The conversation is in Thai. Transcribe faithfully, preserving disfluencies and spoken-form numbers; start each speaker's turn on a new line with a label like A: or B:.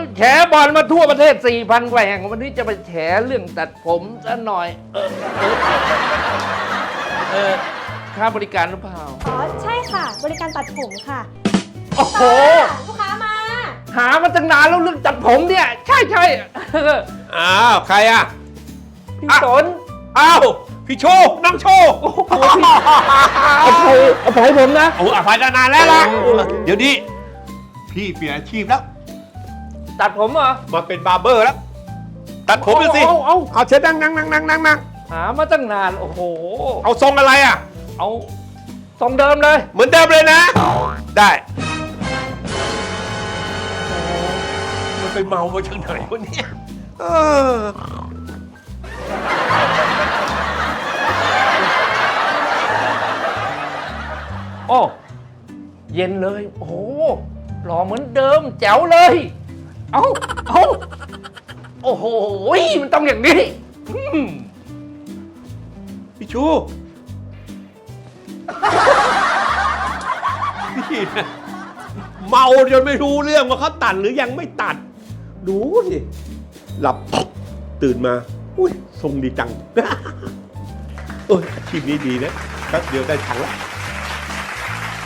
A: แฉบอลมาทั่วประเทศ สี่พัน กว่าแห่งวันนี้จะไปแฉเรื่องตัดผมซะหน่อย เออเออเออค่าบริการหรือเปล่า
B: อ๋อใช่ค่ะบริการตัดผมค่ะ
A: โอ้โห
B: ลูกค้ามา
A: หามาตั้งนานแล้วเรื่องตัดผมเนี่ย ใช่ใช่เออ
C: อ้าวใครอ่ะ
A: พี่สน
C: อ้าวพี่โชคน้องโชค
A: โอ้โหพี่อภัยอภัยผมนะ
C: โอ้อภัยนานแล้วล่ะเดี๋ยวนี้พี่เปลี่ยนอาชีพแล้ว
A: ตัดผมเหรอ
C: มาเป็นบาร์เบอร์แล้ว ตัดผมเลยสิ
A: เอาเอา
C: เอาเชิญนั่งนั่งนั่งนั่งนั่งนั่ง
A: หามาตั้งนาน โอ้โห
C: เอาทรงอะไรอ่ะ
A: เอาทรงเดิมเลย
C: เหมือนเดิมเลยนะ ได้ มันไปเมามาจากไหนวะเนี่ยเออ
A: โอ้ เย็นเลย โอ้โหหล่อเหมือนเดิม แจ๋วเลย เอาเอาโอ้โห มันต้องอย่างนี้อืม
C: พี่ชูพี่นะเมาจนไม่รู้เรื่องว่าเขาตัดหรือยังไม่ตัด ดูสิหลับตื่นมา อุ้ยทรงดีจัง โอ้ยอาชีพนี้ดีนะแป๊บเดียวได้ตังค์แล้ว